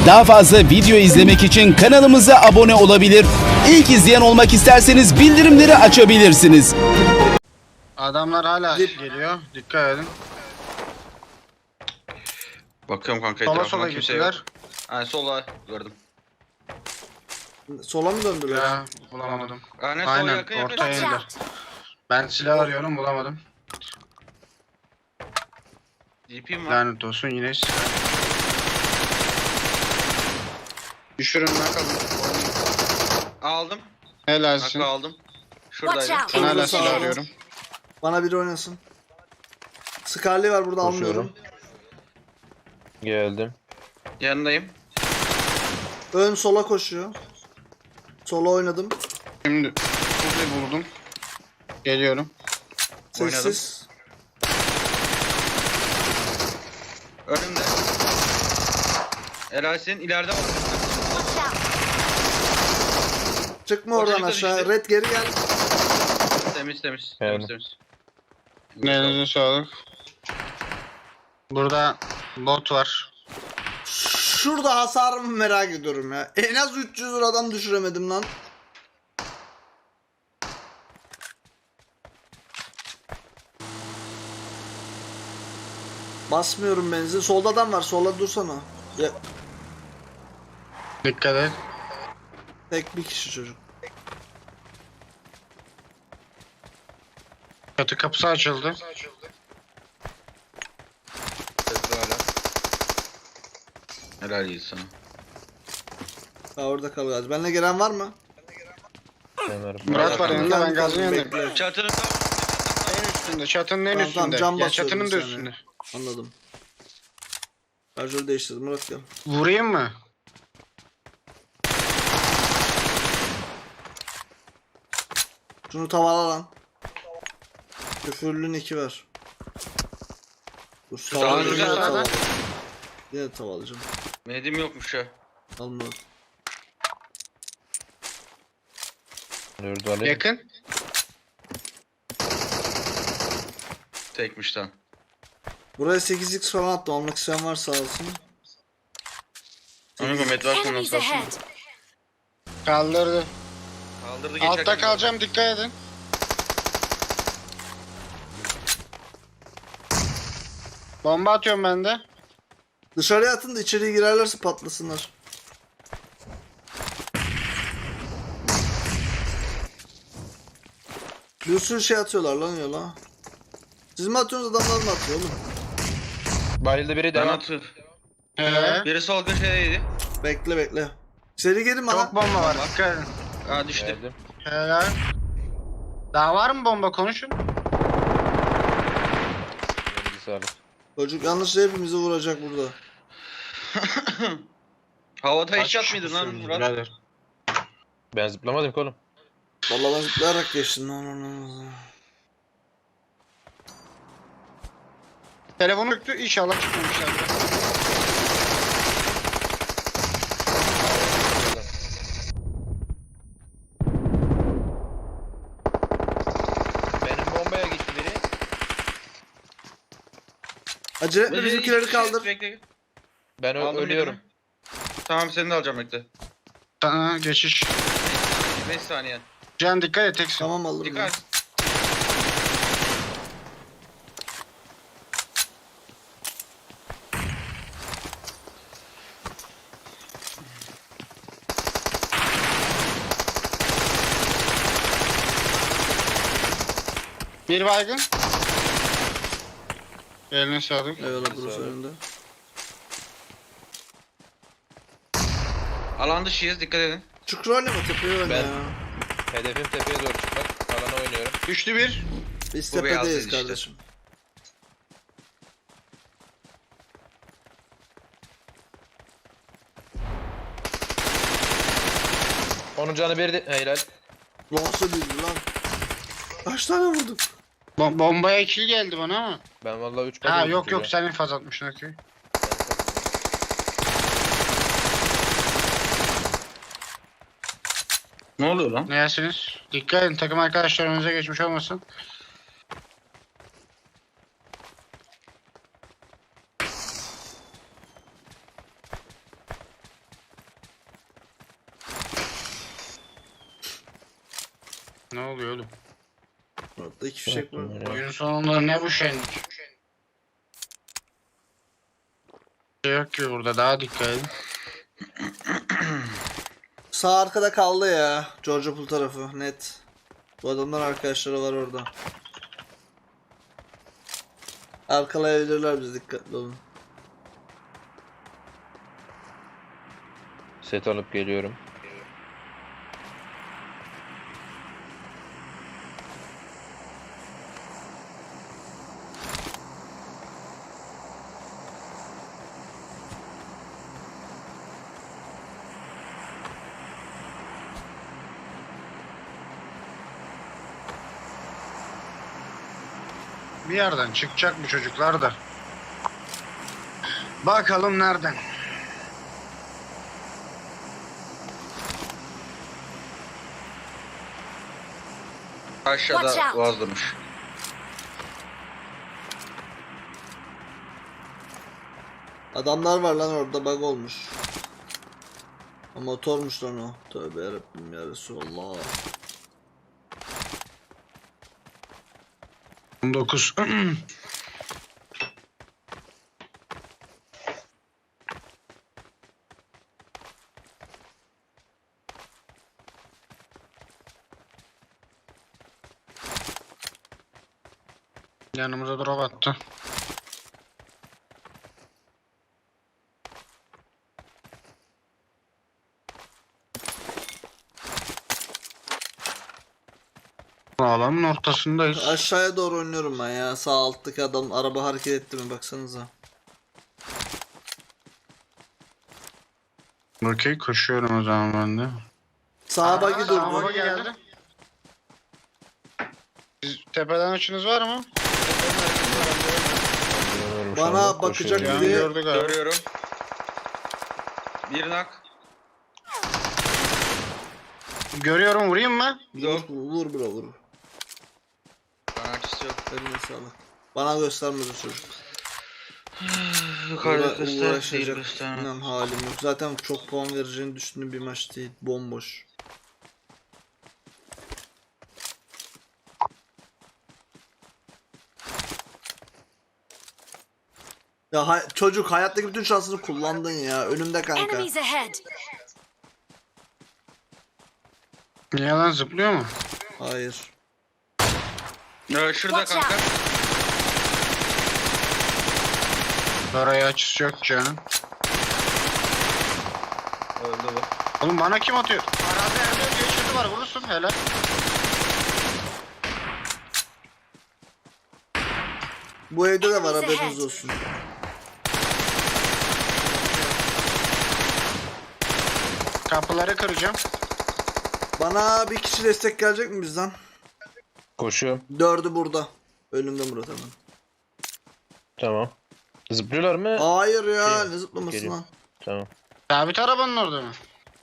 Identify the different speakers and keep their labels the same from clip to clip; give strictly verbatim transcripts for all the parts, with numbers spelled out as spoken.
Speaker 1: Daha fazla video izlemek için kanalımıza abone olabilir. İlk izleyen olmak isterseniz bildirimleri açabilirsiniz.
Speaker 2: Adamlar hala geliyor. Dikkat edin.
Speaker 3: Bakıyorum kanka
Speaker 2: Sola
Speaker 3: etrafıma
Speaker 2: sola
Speaker 3: kimse yok.
Speaker 2: gittiler.
Speaker 3: Yani sola gördüm.
Speaker 4: Sola mı döndüler?
Speaker 2: Ya bulamadım.
Speaker 3: Aynen sola
Speaker 2: Aynen
Speaker 3: yakın yakın.
Speaker 2: ortaya indiler. Ben silah arıyorum bulamadım.
Speaker 3: D P'm var.
Speaker 2: Lanet olsun yine silah. Düşürün bakalım.
Speaker 3: Aldım.
Speaker 2: Helalsin.
Speaker 3: Nakla aldım. Şuradaydı.
Speaker 5: Watch
Speaker 2: Ben
Speaker 5: out.
Speaker 2: hala
Speaker 4: Sağ
Speaker 2: silah
Speaker 4: olun.
Speaker 2: arıyorum.
Speaker 4: Bana biri oynasın. Scarlet var burada, almıyorum.
Speaker 6: Geldim.
Speaker 3: Yanındayım.
Speaker 4: Ön sola koşuyor. Sola oynadım.
Speaker 2: Şimdi Kuzi buldum. Geliyorum.
Speaker 4: Sessiz.
Speaker 3: Önümde. Eray senin ileride var.
Speaker 5: Watch out.
Speaker 4: Çıkma
Speaker 3: O
Speaker 4: oradan
Speaker 3: çocuk da
Speaker 4: aşağı.
Speaker 3: düştü.
Speaker 4: Red geri gel.
Speaker 3: Temiz temiz.
Speaker 6: Evet.
Speaker 3: Temiz temiz.
Speaker 2: Elinize sağlık. Burada bot var.
Speaker 4: Şurada hasarımı merak ediyorum ya. En az üç yüz liradan düşüremedim lan. Basmıyorum benzin. Solda adam var. Solda dursana. Ya,
Speaker 2: Dikkat et.
Speaker 4: tek bir kişi çocuk.
Speaker 2: Çatı kapısı açıldı.
Speaker 3: Sesli hala. Helal iyi sana.
Speaker 4: Ha, orada kal gaz. Benimle gelen var mı?
Speaker 6: Ömer.
Speaker 2: Murat var yanında, ben gazın yanındayım.
Speaker 4: Bekle.
Speaker 3: Çatının tam.
Speaker 2: En üstünde, çatının en
Speaker 4: Tamam, tamam,
Speaker 2: üstünde.
Speaker 4: cam
Speaker 2: Ya
Speaker 4: basıyorum
Speaker 2: çatının
Speaker 4: bir
Speaker 2: da
Speaker 4: saniye.
Speaker 2: üstünde.
Speaker 4: Anladım. Şarjörü değiştirdim. Murat gel.
Speaker 2: Vurayım mı?
Speaker 4: Şunu tavala lan. Küfürlü iki ver. Dur, tavalayacağım.
Speaker 3: güzel
Speaker 4: Yine
Speaker 2: sağdan.
Speaker 4: tavalayacağım. Yine tavalayacağım.
Speaker 3: Medim yokmuş ya.
Speaker 4: Al Murat.
Speaker 6: Dördü alayım.
Speaker 2: Yakın.
Speaker 3: Tekmiş lan.
Speaker 4: Buraya sekiz x falan attım. Almak isteyen varsa alsın.
Speaker 3: Amigo med varsa
Speaker 5: Enemies
Speaker 3: nasıl alsın?
Speaker 5: ahead.
Speaker 2: Kaldırdı.
Speaker 3: Kaldırdı geçerken.
Speaker 2: Altta kalacağım, dikkat edin. Bomba atıyorum ben de.
Speaker 4: Dışarıya atın da içeriye girerlerse patlasınlar. Bir sürü şey atıyorlar lan yola. Siz mi atıyorsunuz, adamlar mı atıyor oğlum?
Speaker 6: Bayıldı biri
Speaker 3: Ben
Speaker 6: devam.
Speaker 3: atı.
Speaker 2: He.
Speaker 3: Biri sol köşedeydi.
Speaker 4: Bekle bekle. Seri gelin bana.
Speaker 2: Çok bomba var, dikkat edin.
Speaker 3: Aa düştü.
Speaker 6: Geldim.
Speaker 2: Helal. Daha var mı bomba, konuşun.
Speaker 6: Elinize sağlık.
Speaker 4: Çocuk yanlışla hepimizi vuracak burada.
Speaker 3: Havada
Speaker 2: Kaç
Speaker 3: hiç at
Speaker 2: kişi
Speaker 3: mıydın lan
Speaker 2: düşürdün
Speaker 3: Murat?
Speaker 2: birader?
Speaker 6: Ben zıplamadım ki oğlum.
Speaker 4: Vallahi ben zıplayarak geçtim lan onu.
Speaker 2: Telefonu öktü, inşallah çıkmamışlar.
Speaker 6: Benim bombaya gitti biri.
Speaker 4: Acele etme, bizimkileri kaldır.
Speaker 3: Bekle.
Speaker 6: Ben ö-
Speaker 3: Aldım
Speaker 6: ölüyorum.
Speaker 3: birini. Tamam seni de alacağım bekle.
Speaker 2: Sana geçiş.
Speaker 3: beş saniye.
Speaker 2: Can dikkat et, teksin.
Speaker 4: Tamam alırım. ya.
Speaker 3: Dikkat.
Speaker 2: Bir baygın. Eline sağlık.
Speaker 4: Eyvallah burası önünde.
Speaker 3: Alan dışıyız dikkat edin.
Speaker 4: Çukur oynama, tepeye oyna
Speaker 6: Ben-
Speaker 4: ya.
Speaker 6: Hedefim tepeye doğru çıkmak. Alana oynuyorum.
Speaker 2: Düştü bir.
Speaker 4: Biz
Speaker 3: Bu beyaz
Speaker 4: tepedeyiz
Speaker 3: işte.
Speaker 4: kardeşim.
Speaker 6: Onun canı bir de... Helal.
Speaker 4: Nasıl bildi lan? Kaç tane vurduk?
Speaker 2: Bo- bombaya ikili geldi bana ama.
Speaker 6: Ben vallahi üç
Speaker 2: Ha
Speaker 6: vurdum
Speaker 2: yok yok,
Speaker 6: çocuğa.
Speaker 2: sen infaz atmışsın, okey.
Speaker 3: Ne oluyor lan?
Speaker 2: Neyesiniz? Dikkat edin, takım arkadaşlar önünüze geçmiş olmasın. Ne oluyor oğlum?
Speaker 4: Orada iki fişek var.
Speaker 2: Oyun sonunda ne bu şenlik? Şey yok ki burada, daha dikkat edin.
Speaker 4: Sağ arkada kaldı ya. George Pool tarafı net. Bu adamlar arkadaşları var orada. Arkalayabilirler bizi, dikkatli olun.
Speaker 6: Set alıp geliyorum.
Speaker 2: Bir yerden çıkacak bu çocuklar da. Bakalım nereden?
Speaker 5: Watch
Speaker 3: Aşağıda
Speaker 5: out.
Speaker 3: Boğaz durmuş.
Speaker 4: Adamlar var lan orada, bug olmuş. O motormuş lan o. Tövbe yarabbim ya Resulallah.
Speaker 2: on dokuz. Yanımıza drop attı. Alanın ortasındayız.
Speaker 4: Aşağıya doğru oynuyorum ben ya. Sağ alttaki adam araba hareket etti mi baksanıza.
Speaker 2: Okey, koşuyorum o zaman ben de.
Speaker 4: Sağa bagi
Speaker 2: Sağa
Speaker 4: durdu.
Speaker 2: bagi geldi. Siz tepeden açınız var mı?
Speaker 6: Bilmiyorum şu
Speaker 4: Bana
Speaker 6: anda,
Speaker 4: bakacak
Speaker 6: koşuyorum.
Speaker 4: biri-
Speaker 2: Gördük abi.
Speaker 3: Görüyorum. Bir nak.
Speaker 2: Görüyorum, vurayım mı?
Speaker 4: Vur, vur bro vur.
Speaker 3: Bana açısı yok.
Speaker 4: Eline sağlık. Bana göstermedi çocuk.
Speaker 3: Yukarıda
Speaker 4: Uğra-
Speaker 3: göster değil
Speaker 4: uğraşacak
Speaker 3: göster.
Speaker 4: inan halim yok. Zaten çok puan vereceğini düşündüğüm bir maç değil. Bomboş. Ya hay- çocuk hayattaki bütün şansını kullandın ya. Önümde kanka.
Speaker 5: Enemies ahead!
Speaker 2: Niye lan, zıplıyor mu?
Speaker 4: Hayır.
Speaker 3: Ee, şurada
Speaker 5: Watch
Speaker 3: kanka.
Speaker 2: Oraya açısı yok canım.
Speaker 3: Öldü bu.
Speaker 2: Oğlum bana kim atıyor? Arazi elde geçirdi var, vurursun helal.
Speaker 4: Bu evde de var,
Speaker 5: Enemies
Speaker 4: haberiniz
Speaker 5: ahead.
Speaker 4: olsun.
Speaker 2: Kapıları kıracağım.
Speaker 4: Bana bir kişi destek gelecek mi bizden?
Speaker 6: Koşuyorum.
Speaker 4: Dördü burada. Önümde Murat hemen.
Speaker 6: Tamam. Zıplıyorlar mı?
Speaker 4: Hayır ya,
Speaker 6: Şey,
Speaker 4: ne zıplaması
Speaker 6: geliyor.
Speaker 4: lan.
Speaker 6: Tamam.
Speaker 2: Sabit arabanın orada mı?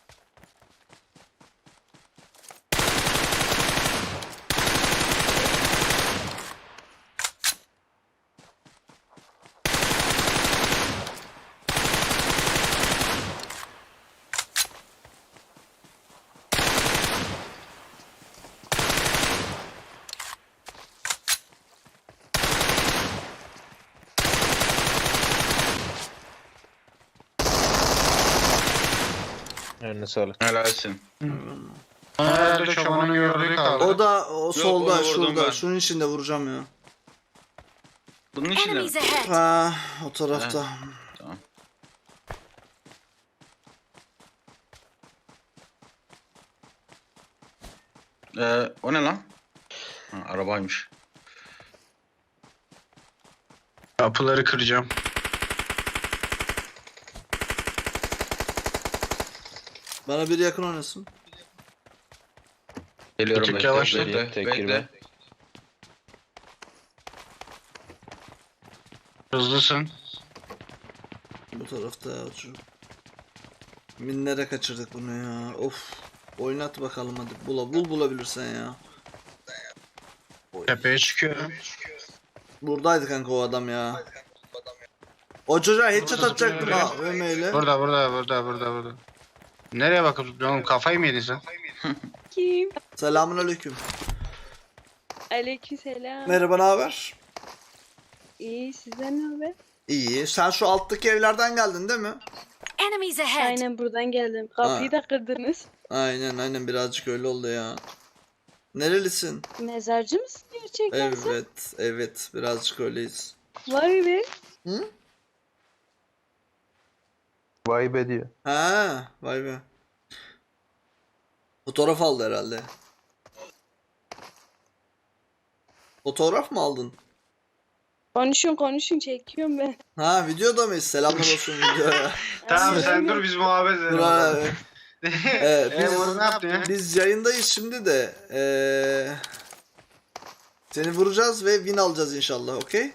Speaker 6: Eline sağlık.
Speaker 3: Helalsin.
Speaker 2: Herhalde çobanın gördüğü kaldı.
Speaker 4: O da o solda
Speaker 3: onu vurdum
Speaker 4: şurada.
Speaker 3: ben.
Speaker 4: Şunun içinde vuracağım ya.
Speaker 3: Bunun içinde mi?
Speaker 5: Enemies ahead!
Speaker 4: Ha, o tarafta.
Speaker 3: Tamam. Ee, o ne lan? Ha, arabaymış.
Speaker 2: Kapıları kıracağım.
Speaker 4: Bana biri yakın oynasın.
Speaker 3: Geliyorum
Speaker 2: Bir tık
Speaker 3: bekle,
Speaker 2: yavaşla.
Speaker 3: bekle,
Speaker 6: Tek
Speaker 3: bekle.
Speaker 6: girme.
Speaker 2: Hızlısın.
Speaker 4: Bu tarafta ya çocuk. Minlere kaçırdık bunu ya. Of. Oynat bakalım hadi. Bula, bul bulabilirsen ya.
Speaker 2: Tepeye çıkıyorum.
Speaker 4: Buradaydı kanka o adam ya. O çocuğa headshot
Speaker 2: Burada
Speaker 4: atacaktım
Speaker 2: zıplıyor.
Speaker 4: ha Ömeyle.
Speaker 2: Burada burada burada burada burada. Nereye bakıp zıplıyorsun oğlum, kafayı mı yedin sen?
Speaker 4: Selamun aleyküm.
Speaker 7: Aleykümselam.
Speaker 4: Merhaba, ne haber?
Speaker 7: İyi, sizden ne haber?
Speaker 4: İyi. Sen şu alttaki evlerden geldin değil mi?
Speaker 8: Enemies ahead!
Speaker 7: Aynen buradan geldim. Kapıyı
Speaker 4: Ha.
Speaker 7: da kırdınız.
Speaker 4: Aynen aynen birazcık öyle oldu ya. Nerelisin?
Speaker 7: Mezarcı mısın gerçekten sen?
Speaker 4: Evet, evet birazcık öyleyiz.
Speaker 7: Vay be.
Speaker 4: Hı?
Speaker 6: Vay be diyor.
Speaker 4: Ha, vay be. Fotoğraf aldı herhalde. Fotoğraf mı aldın?
Speaker 7: Konuşun konuşun çekiyorum ben.
Speaker 4: Ha, videoda mıyız? Selamlar olsun videoya.
Speaker 2: Tamam sen
Speaker 7: Aynen.
Speaker 2: dur biz muhabbet edelim.
Speaker 4: Dur abi. Evet,
Speaker 2: Eee
Speaker 4: biz-
Speaker 2: bunu ne yaptın ya?
Speaker 4: Biz yayındayız şimdi de. Eee seni vuracağız ve win alacağız inşallah, okey?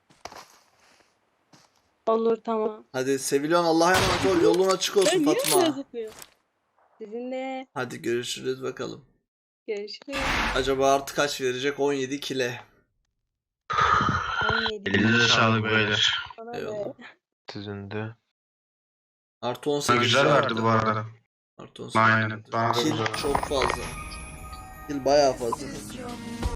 Speaker 7: Olur tamam.
Speaker 4: Hadi seviliyorsun, Allah'a emanet ol. Yolun açık olsun
Speaker 7: Ben niye
Speaker 4: Fatma.
Speaker 7: böyle zıplıyorum? Sizinle
Speaker 4: Hadi görüşürüz bakalım.
Speaker 7: görüşürüz.
Speaker 4: Acaba artı kaç verecek? on yedi kile.
Speaker 7: on yedi.
Speaker 2: Elinize sağlık beyler.
Speaker 7: Bana
Speaker 4: Eyvallah.
Speaker 7: be.
Speaker 6: Sizin de.
Speaker 4: Artı on
Speaker 2: Ha,
Speaker 4: sekiz
Speaker 2: güzel verdi bu arada.
Speaker 4: Artı on sekiz.
Speaker 2: Aynen. Bana da
Speaker 4: Kill
Speaker 2: güzel.
Speaker 4: çok fazla. Kill bayağı fazla.